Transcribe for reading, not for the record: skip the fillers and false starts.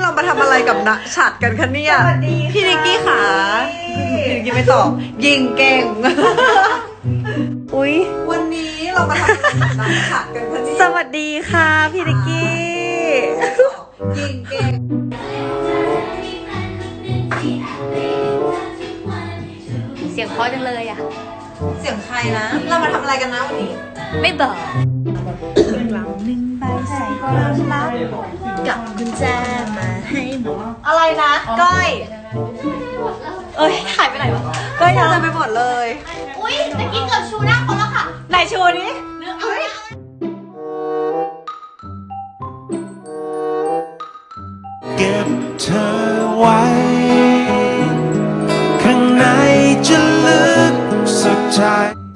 เรามาทำอะไรกับณฉัดกันคะเนี่ยพี่นิกกี้ค่ะพี่นิกกี้ไม่ตอบยิงเก่งอุ๊ยวันนี้เรามาทำอะไรกับณฉัดกันคะเนี่ยสวัสดีค่ะพี่นิกกี้ยิงเก่งเสียงเพราะจังเลยอ่ะเสียงใครนะเรามาทำอะไรกันนะวันนี้ไม่บอกหลังหนึ่งใบใส่ความลับกับกุญแจมาให้หมดอะไรนะก้อยเอ้ยหายไปไหนวะก้อยจะไปหมดเลยอุ้ยตะกี้เกือบชูหน้าคนแล้วค่ะไหนโชว์นี้เก็บเธอไว้ข้างในจะลึกสุดท้าย